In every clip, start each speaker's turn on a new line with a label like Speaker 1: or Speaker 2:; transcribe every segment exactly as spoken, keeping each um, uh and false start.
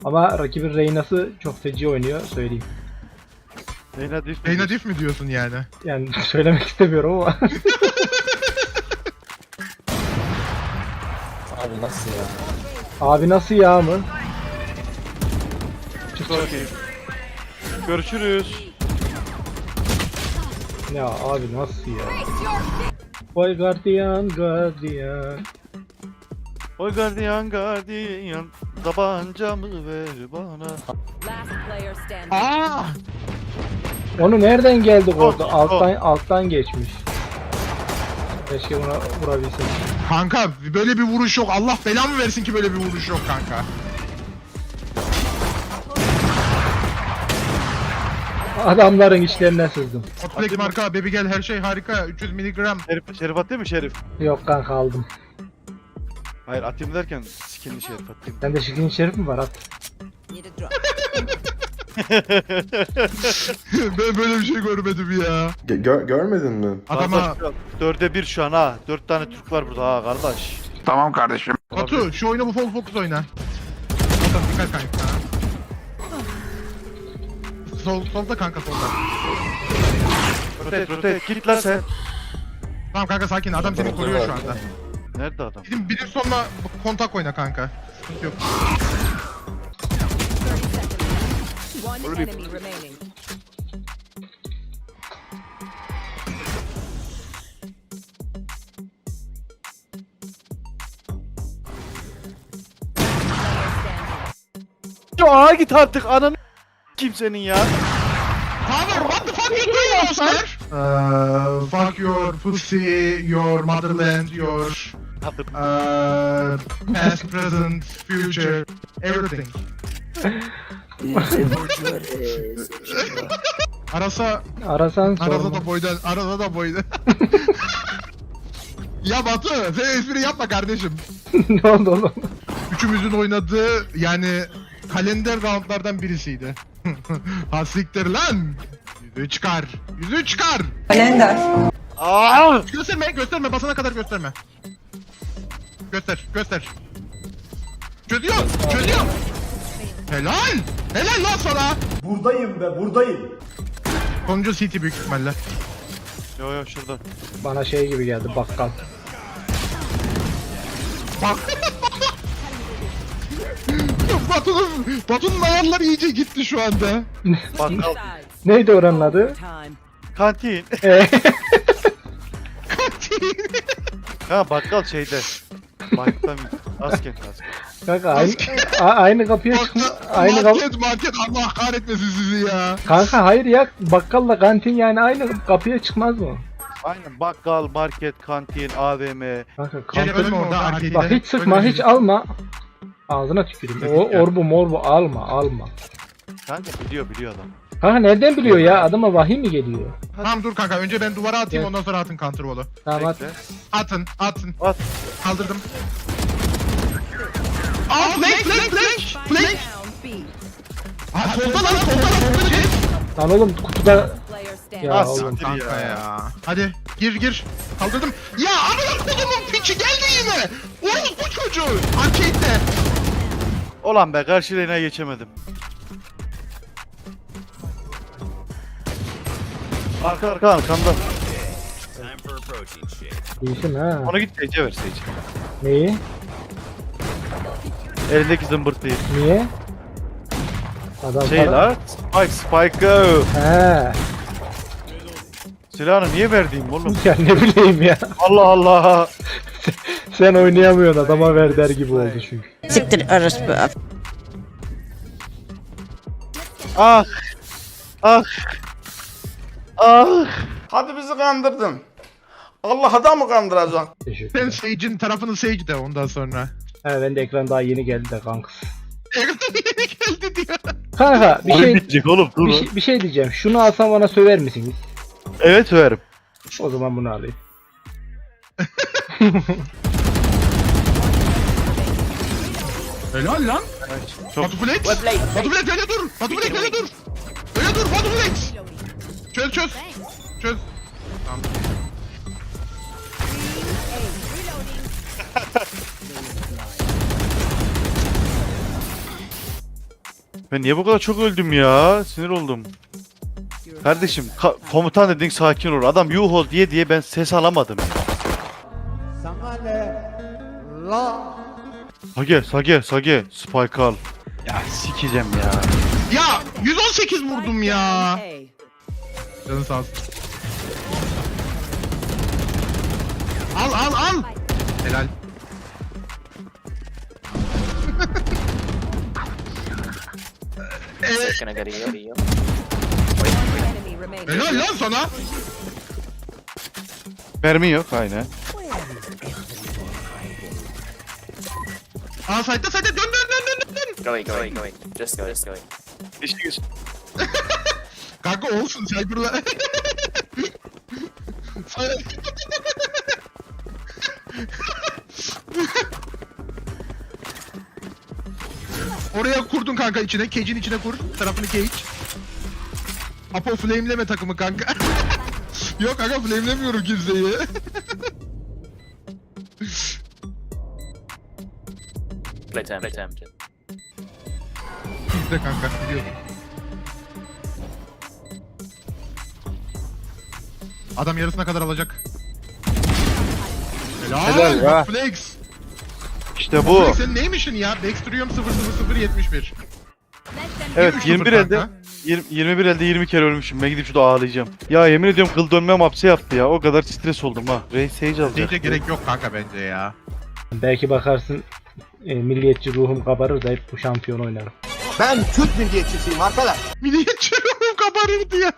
Speaker 1: Ama rakibin Reyna'sı çok feci oynuyor söyleyeyim.
Speaker 2: Reyna diff.
Speaker 3: Reyna diff mi diyorsun yani?
Speaker 1: Yani söylemek istemiyorum ama.
Speaker 4: Abi nasıl ya?
Speaker 1: Abi nasıl ya mı?
Speaker 2: Çok iyi. Görüşürüz.
Speaker 1: Ya abi nasıl ya? Vay gardiyan gardiyan.
Speaker 2: Oy gardiyan gardiyan, tabancamı ver bana.
Speaker 5: Last player standing.
Speaker 3: Aa!
Speaker 1: Onu nereden geldik orada?
Speaker 2: Oh,
Speaker 1: Alttan alttan geçmiş. Keşke buna vurabilsek.
Speaker 3: Kanka böyle bir vuruş yok. Allah belamı versin ki böyle bir vuruş yok kanka.
Speaker 1: Adamların içlerine sızdım.
Speaker 3: Hotflex marka, baby gel her şey harika. üç yüz miligram.
Speaker 2: Şerif, Şerif atayım mı Şerif?
Speaker 1: Yok kanka aldım.
Speaker 2: Hayır atayım derken skinli Şerif atayım.
Speaker 1: Sende şirin şerif mi var at?
Speaker 5: Need a drop.
Speaker 3: Ben böyle bir şey görmedim ya.
Speaker 6: Ge- gör- görmedin mi?
Speaker 3: Adama
Speaker 2: Kardeş, dörde bir şu an ha. Dört tane Türk var burada ha kardeş.
Speaker 7: Tamam kardeşim.
Speaker 3: Batu şu oyunu bu full focus oyna. Batu dikkat kanka. Sol, solda kanka solda.
Speaker 2: Rotate rotate git lan sen.
Speaker 3: Tamam kanka sakin adam seni koruyor şu anda.
Speaker 2: Nerede adam?
Speaker 3: Bizim bilir sonuna kontak oyna kanka. Sıkıntı yok.
Speaker 5: One enemy remaining.
Speaker 2: Ya git artık ananı kimsenin ya.
Speaker 3: Father, what the fuck you doing monster? Uh, fuck your pussy, your motherland, your uh, past, present, future, everything. Arasa,
Speaker 1: Arasan
Speaker 3: arasa
Speaker 1: sorma.
Speaker 3: da boydan, arasa da boydan. Ya Batu, sen espri yapma kardeşim.
Speaker 1: Ne oldu oğlum?
Speaker 3: Üçümüzün oynadığı yani kalender roundlardan birisiydi. Ha siktir lan. Yüzüğü çıkar. Yüzüğü çıkar.
Speaker 2: Aa!
Speaker 3: Gösterme, gösterme. Basana kadar gösterme. Göster, göster. Çözüyor, çözüyor. Helal. Helal lan sana.
Speaker 4: Buradayım be buradayım.
Speaker 3: Sonuncu C T büyük ihtimalle.
Speaker 2: Yo yo şurada.
Speaker 1: Bana şey gibi geldi bakkal.
Speaker 3: Bak. Batu'nun, Batu'nun ayarları iyice gitti şu anda.
Speaker 2: Bakkal.
Speaker 5: Sides.
Speaker 1: Neydi oranın adı?
Speaker 5: Time.
Speaker 2: Kantin.
Speaker 1: Ee,
Speaker 2: Ha bakkal şeyde. Bakkal Askent askent.
Speaker 1: kanka aynı, a- aynı kapıya çıkma. Aynı kapı.
Speaker 3: Market, market Allah kahretmesin sizi ya.
Speaker 1: Kanka hayır ya bakkalla kantin yani aynı kapıya çıkmaz mı?
Speaker 2: Aynen bakkal, market, kantin, A V M.
Speaker 1: Kanka
Speaker 3: Gel
Speaker 1: kantin.
Speaker 3: ölme orada arcade'de.
Speaker 1: Bak hiç sıkma
Speaker 3: Ölme.
Speaker 1: hiç alma. Ağzına tüküreyim. O orbu morbu alma alma.
Speaker 2: Kanka biliyor biliyor adam.
Speaker 1: Kanka nereden biliyor ya? Adama vahiy mi geliyor?
Speaker 3: Tamam dur kanka önce ben duvara atayım
Speaker 1: Gel.
Speaker 3: ondan sonra atın counterwall'u.
Speaker 1: Tamam at.
Speaker 2: Bekle.
Speaker 3: Atın, atın.
Speaker 2: At.
Speaker 3: Kaldırdım. Aa flank, flank, flank, flank.
Speaker 5: Down B.
Speaker 3: Aa solda lan, solda lan, solda lan.
Speaker 1: Lan oğlum kutuda
Speaker 5: Player standing.
Speaker 1: ya
Speaker 2: Ah,
Speaker 1: oğlum.
Speaker 2: siktir
Speaker 3: Kanka
Speaker 2: ya.
Speaker 3: ya. Hadi gir gir. Kaldırdım. Ya amına kodumun piçi geldi yine. Oğlum bu çocuğu. Arcade'de.
Speaker 2: Ulan be karşı lane'e geçemedim. Arka arka arkamda.
Speaker 1: İyisin ha.
Speaker 2: Ona git Sage'e ver Sage.
Speaker 1: Neyi?
Speaker 2: Elindeki zımbırtıyı.
Speaker 1: Niye? Adam
Speaker 2: Şey
Speaker 1: para-
Speaker 2: la. Spike Spike go.
Speaker 1: He.
Speaker 2: Silahını niye verdiğim oğlum?
Speaker 1: Ya ne bileyim ya.
Speaker 2: Allah Allah.
Speaker 1: Sen oynayamıyorsun adama ver der gibi oldu çünkü.
Speaker 8: Siktir orospu.
Speaker 2: Ah. Ah. Ah.
Speaker 7: Hadi bizi kandırdın. Allah'a da mı kandıracaksın?
Speaker 1: Teşekkür
Speaker 3: Sen
Speaker 1: ederim.
Speaker 3: Sage'in tarafını Sage de ondan sonra.
Speaker 1: He ben de ekran daha yeni geldi de kanks.
Speaker 3: Yeni geldi diyor.
Speaker 1: Kanka bir
Speaker 2: Oyun
Speaker 1: şey,
Speaker 2: bitecek oğlum dur.
Speaker 1: bir şey bir şey diyeceğim. Şunu alsam bana söver misiniz?
Speaker 2: Evet söverim.
Speaker 1: O zaman bunu alayım.
Speaker 3: Helal lan.
Speaker 2: Çok
Speaker 3: Batu Flex. Batu Flex öyle dur. Batu Flex öyle dur. Öyle dur Batu Flex. Çöz çöz. Çöz. Tamam.
Speaker 2: Ben niye bu kadar çok öldüm ya? Sinir oldum. Kardeşim ka- komutan dedin sakin ol. Adam yuhol diye diye ben ses alamadım.
Speaker 4: Sana ne? La.
Speaker 2: Sage Sage Sage Spike al. Ya sikeceğim ya.
Speaker 3: Ya yüz on sekiz vurdum ya.
Speaker 5: A.
Speaker 3: Canın sağ olsun. Al al al. Helal.
Speaker 6: Gonna get you.
Speaker 5: Enemy remaining.
Speaker 3: Helal lan sana.
Speaker 2: Mermi yok aynen.
Speaker 3: Aa sayda sayda dön dön dön dön dön.
Speaker 6: Going, going, going. Just go, just go.
Speaker 2: İşiniz.
Speaker 3: Kanka olsun Cyber'la. Oraya kurdun kanka içine, cage'in içine kur. Tarafını cage. Apo flameleme takımı kanka. Yok kanka flamelemiyorum kimseyi.
Speaker 6: Play time, play time.
Speaker 3: Bizde kanka biliyorum. Adam yarısına kadar alacak. Helal,
Speaker 2: Helal ya.
Speaker 3: Flex.
Speaker 2: İşte bu.
Speaker 3: Flex senin neymişin ya? Dextrium sıfır sıfır sıfır yetmiş bir.
Speaker 2: Evet
Speaker 3: Yirmi
Speaker 2: yirmi bir
Speaker 3: sıfır
Speaker 2: elde
Speaker 3: kanka.
Speaker 2: yirmi, yirmi bir elde yirmi kere ölmüşüm. Ben gidip şurada ağlayacağım. Ya yemin ediyorum kıl dönmem hapse yaptı ya. O kadar stres oldum ha. Ray Sage alacak.
Speaker 3: Seyce gerek yok kanka bence ya.
Speaker 1: Belki bakarsın e, milliyetçi ruhum kabarır da hep bu şampiyon oynarım.
Speaker 4: Ben Türk milliyetçisiyim arkadaş.
Speaker 3: Milliyetçi ruhum kabarırdı ya.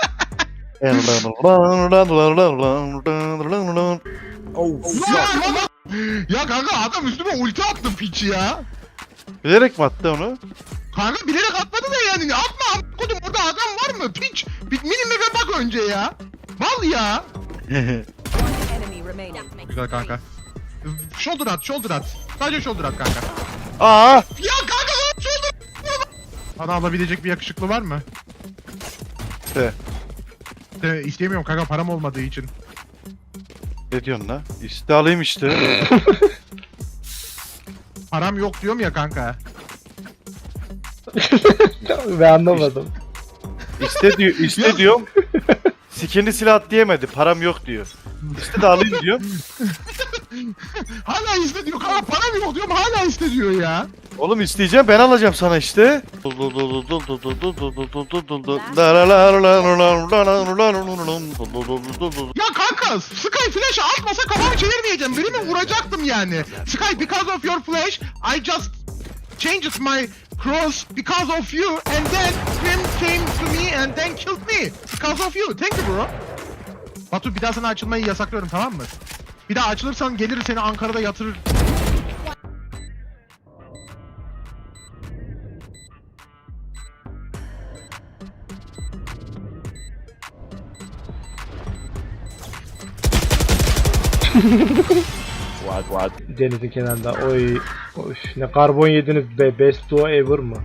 Speaker 3: Ya kanka adam üstüme ulti attı piç ya.
Speaker 2: Bilerek mi attı onu?
Speaker 3: Kanka bilerek atmadı da yani atma kodum orada adam var mı piç? Bir minimime bak önce ya. Mal ya.
Speaker 5: Enemy remaining.
Speaker 3: Güzel kanka. Shoulder at shoulder at. Sadece shoulder at kanka.
Speaker 2: Aa!
Speaker 3: Ya kanka lan shoulder. Bana alabilecek bir yakışıklı var mı?
Speaker 2: De.
Speaker 3: De, istemiyorum kanka param olmadığı için.
Speaker 2: Ne diyorsun la? İşte alayım işte.
Speaker 3: Param yok diyorum ya kanka.
Speaker 1: Ve anlamadım.
Speaker 2: İste diyor, iste diyorum. Skinli silah at diyemedi. Param yok diyor. İşte de alayım diyor.
Speaker 3: Hala iste diyor kanka param yok diyorum hala iste diyor ya.
Speaker 2: Oğlum isteyeceğim ben alacağım sana işte.
Speaker 3: Ya kanka Sky flash atmasa kafamı çevirmeyeceğim. Birimi vuracaktım yani. Sky because of your flash I just changed my cross because of you and then him came to me and then killed me because of you. Thank you bro. Batu bir daha sana açılmayı yasaklıyorum tamam mı? Bir daha açılırsan gelir seni Ankara'da yatırır.
Speaker 6: What, what?
Speaker 1: Denizin kenarında. Oy. Oy. Ne karbon yediniz be. Best duo ever mı?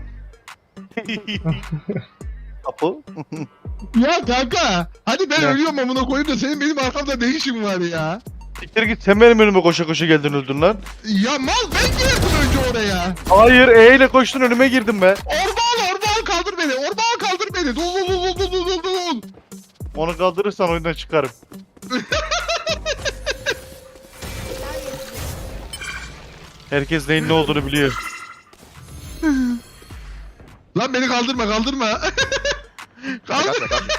Speaker 2: Apo.
Speaker 3: Ya kanka hadi ben
Speaker 2: Ya.
Speaker 3: ölüyorum amına koyayım da senin benim arkamda ne işin var ya?
Speaker 2: Siktir git sen benim önüme koşa koşa geldin öldün lan.
Speaker 3: Ya mal ben girdim önce oraya.
Speaker 2: Hayır E ile koştun önüme girdim be.
Speaker 3: Orba al orba al kaldır beni orba al kaldır beni. Dol dol dol dol dol dol dol.
Speaker 2: Onu kaldırırsan oyundan çıkarım. Herkes neyin ne olduğunu biliyor.
Speaker 3: Lan beni kaldırma kaldırma. Kaldır.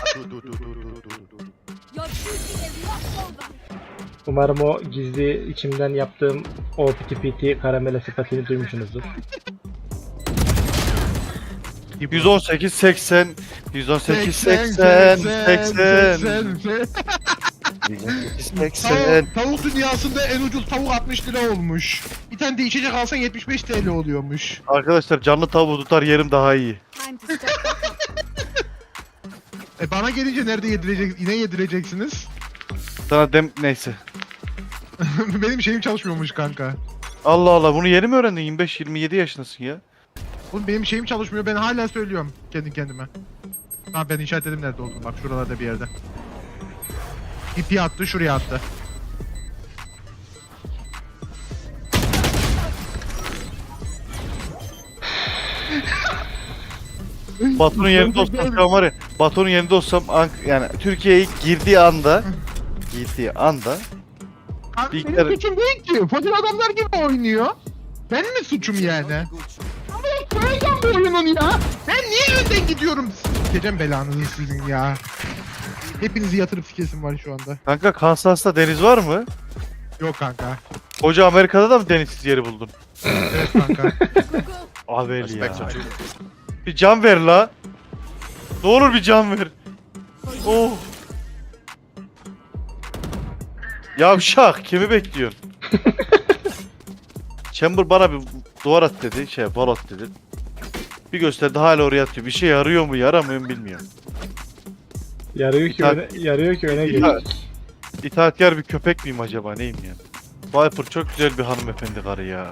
Speaker 1: Umarım o gizli içimden yaptığım o piti piti karamele sıfatını duymuşsunuzdur.
Speaker 2: yüz on sekiz seksen yüz on sekiz seksen seksen seksen
Speaker 3: Tavuk, tavuk dünyasında en ucuz tavuk altmış lira olmuş. Bir tane de içecek alsan yetmiş beş T L oluyormuş.
Speaker 2: Arkadaşlar canlı tavuğu tutar yerim daha iyi.
Speaker 5: Time to step up.
Speaker 3: E bana gelince nerede yedirecek, yine yedireceksiniz?
Speaker 2: Sana dem neyse.
Speaker 3: Benim şeyim çalışmıyormuş kanka.
Speaker 2: Allah Allah bunu yeni mi öğrendin? yirmi beş yirmi yedi yaşındasın ya.
Speaker 3: Oğlum benim şeyim çalışmıyor ben hala söylüyorum kendi kendime. Tamam ben işaretledim nerede olduğunu bak şuralarda bir yerde. İpi attı şuraya attı.
Speaker 2: Batu'nun yerinde olsam şu an var ya, Batu'nun yerinde olsam Ank- yani Türkiye'ye girdiği anda girdiği anda
Speaker 3: Kanka
Speaker 2: Bir
Speaker 3: benim
Speaker 2: kere-
Speaker 3: suçum değil ki. Fakir adamlar gibi oynuyor. Ben mi suçum yani? Ama ben söyleyeceğim bu oyunun ya. Ben niye önden gidiyorum? Sikeceğim belanızı sizin ya. Hepinizi yatırıp sikesim var şu anda.
Speaker 2: kanka Kansas'ta deniz var mı?
Speaker 3: Yok kanka.
Speaker 2: Koca Amerika'da da mı denizsiz yeri buldun?
Speaker 3: Evet kanka.
Speaker 2: Abel ya. Bir can ver la. Ne olur bir can ver. Oh. Yavşak kimi bekliyorsun? Chamber bana bir duvar at dedi, şey wall at dedi. Bir gösterdi hala oraya atıyor. Bir şey yarıyor mu yaramıyor mu bilmiyorum.
Speaker 1: Yarıyor ki
Speaker 2: İtaat-
Speaker 1: öne, yarıyor ki öne
Speaker 2: İtaat-
Speaker 1: geliyor.
Speaker 2: İtaatkar bir köpek miyim acaba neyim ya? Viper çok güzel bir hanımefendi karı ya.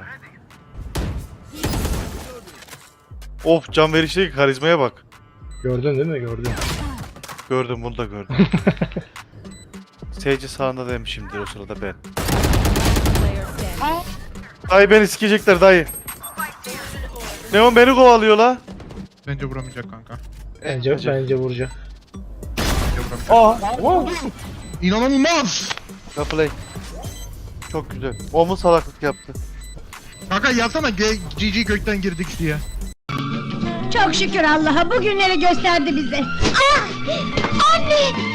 Speaker 2: Of can verişteki karizmaya bak.
Speaker 1: Gördün değil mi? Gördün.
Speaker 2: Gördüm bunu da gördüm. Seyirci sağında demişimdir o sırada ben.
Speaker 5: Player standing.
Speaker 2: Dayı beni sikecekler dayı. Neon beni kovalıyor la.
Speaker 3: Bence vuramayacak kanka.
Speaker 1: Bence,
Speaker 2: Bence.
Speaker 1: bence vuracak.
Speaker 3: Bence vuramayacak.
Speaker 2: Aa.
Speaker 3: İnanılmaz.
Speaker 2: Ya play. Çok güzel. O mu salaklık yaptı?
Speaker 3: Kanka yazsana G G gökten girdik diye.
Speaker 8: Çok şükür Allah'a bugünleri gösterdi bize. Ah! Anne!